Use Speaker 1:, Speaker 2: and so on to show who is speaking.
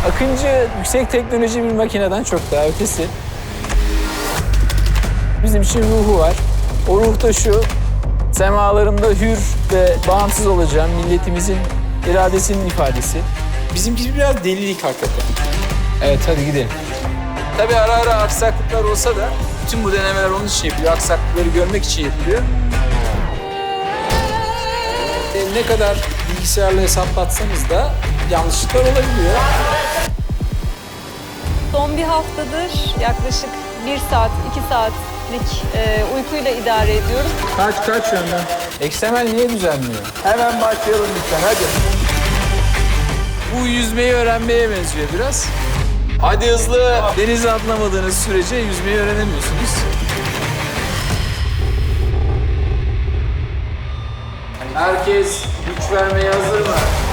Speaker 1: Akıncı yüksek teknoloji bir makineden çok daha ötesi. Bizim için ruhu var. O ruh da şu, semalarında hür ve bağımsız olacağım milletimizin iradesinin ifadesi.
Speaker 2: Bizimki biraz delilik hakikaten.
Speaker 1: Evet, hadi gidelim. Tabii ara ara aksaklıklar olsa da bütün bu denemeler onun için yapılıyor. Aksaklıkları görmek için yapılıyor.
Speaker 2: Ne kadar bilgisayarla hesaplatsanız da yanlışlıklar olabiliyor.
Speaker 3: Son bir haftadır yaklaşık 1 saat, 2 saatlik uykuyla idare ediyoruz.
Speaker 1: Kaç yönden? XML niye düzenliyor?
Speaker 4: Hemen başlayalım lütfen, hadi.
Speaker 1: Bu yüzmeyi öğrenmeye benziyor biraz. Hadi hızlı. Denize atlamadığınız sürece yüzmeyi öğrenemiyorsunuz. Herkes güç vermeye hazır mı?